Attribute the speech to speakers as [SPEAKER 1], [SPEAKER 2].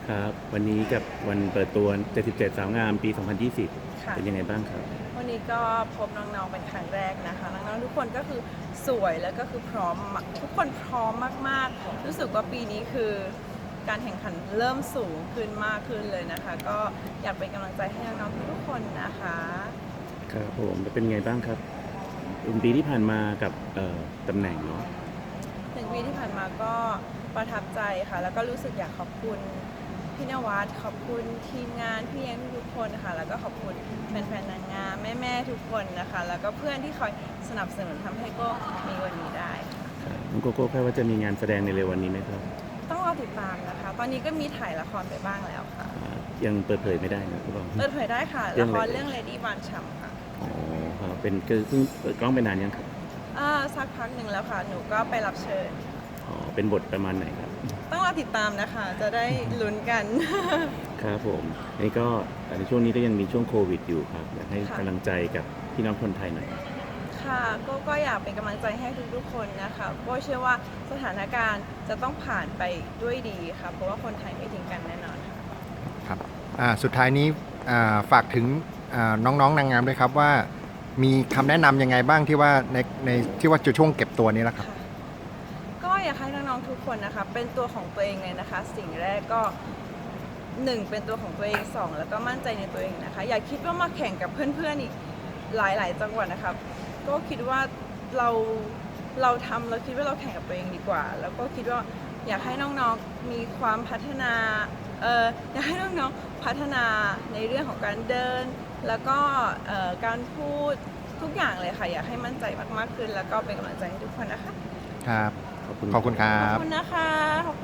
[SPEAKER 1] ครับวันนี้กับวันเปิดตัว77สาวงามปี 2020
[SPEAKER 2] ค่ะ
[SPEAKER 1] เป็นยังไงบ้างครับ
[SPEAKER 2] วันนี้ก็พบน้องๆเป็นครั้งแรกนะคะน้องๆทุกคนก็คือสวยแล้วก็คือพร้อมทุกคนพร้อมมากๆรู้สึกว่าปีนี้คือการแข่งขันเริ่มสูงขึ้นมากขึ้นเลยนะคะ ก็อยากเป็นกำลังใจให้น้องๆทุกคนนะคะ
[SPEAKER 1] ครับผมแล้วเป็นไงบ้างครับเป็นปีที่ผ่านมากับตำแหน่งเนาะ
[SPEAKER 2] 1 ปีที่ผ่านมาก็ประทับใจค่ะแล้วก็รู้สึกอยากขอบคุณพี่นวัดขอบคุณทีมงานพี่เลี้ยงทุกคนนะคะแล้วก็ขอบคุณแฟนๆนางงามแม่ๆทุกคนนะคะแล้วก็เพื่อนที่คอยสนับสนุนทำให้โก็มีวันนี้ได้ค่ะ
[SPEAKER 1] ครับน้องโกโก้คาดว่าจะมีงานแสดงในเร็ววันนี้ไหมครับ
[SPEAKER 2] ต้องรอติดตามนะคะ ตอนนี้ก็มีถ่ายละครไปบ้างแล้วค่ะ
[SPEAKER 1] ยังเปิดเผยไม่ได้นะคุณบอง
[SPEAKER 2] เปิดเผยได้ค่ะ
[SPEAKER 1] เรื่
[SPEAKER 2] ละ
[SPEAKER 1] อง
[SPEAKER 2] ค
[SPEAKER 1] อะไร
[SPEAKER 2] รเรื่อง Lady บานฉ่ำค่ะ
[SPEAKER 1] อ๋อครับเป็นคือเพิ่งเปิดกล้องไปนานยังครับ
[SPEAKER 2] สักพักหนึ่งแล้วค่ะ หนูก็ไปรับเชิญ
[SPEAKER 1] อ๋อเป็นบทประมาณไหนครับ
[SPEAKER 2] ต้องรอติดตามนะคะ จะได้ลุ้นกัน
[SPEAKER 1] ครับผมนี่ก็ในช่วงนี้ก็ยังมีช่วงโควิดอยู่ครับอยากให้
[SPEAKER 2] ค่ะ
[SPEAKER 1] กำลังใจกับพี่น้องคนไทยหน่อย
[SPEAKER 2] ค่ะก็อยากเป็นกำลังใจให้ทุกๆคนนะคะก็เชื่อว่าสถานการณ์จะต้องผ่านไปด้วยดีค่ะ เพราะว่าคนไทยไม่ทิ้งกันแน่นอนค่ะ
[SPEAKER 3] ครับสุดท้ายนี้ฝากถึงน้องๆนางงามด้วยครับว่ามีคำแนะนำยังไงบ้างที่ว่าในที่ว่าจะช่วงเก็บตัวนี้แหละครับ
[SPEAKER 2] ค่ะก็อยากให้น้องๆทุกคนนะคะเป็นตัวของตัวเองเลยนะคะ สิ่งแรกก็1เป็นตัวของตัวเอง2แล้วก็มั่นใจในตัวเองนะคะอย่าคิดว่ามาแข่งกับเพื่อนๆอีกหลายๆจังหวัดนะคะก็คิดว่าเราคิดว่าเราแข่งกับตัวเองดีกว่า แล้วก็คิดว่าอยากให้น้องๆมีความพัฒนาอยากให้น้องๆพัฒนาในเรื่องของการเดิน แล้วก็การพูดทุกอย่างเลยค่ะอยากให้มั่นใจมากๆขึ้น แล้วก็เป็นกำลังใจให้ทุกคนนะคะ
[SPEAKER 3] ครับ
[SPEAKER 1] ขอบคุณ
[SPEAKER 3] ขอบคุณครั
[SPEAKER 2] ขอบบ คุณนะคะขอบคุณ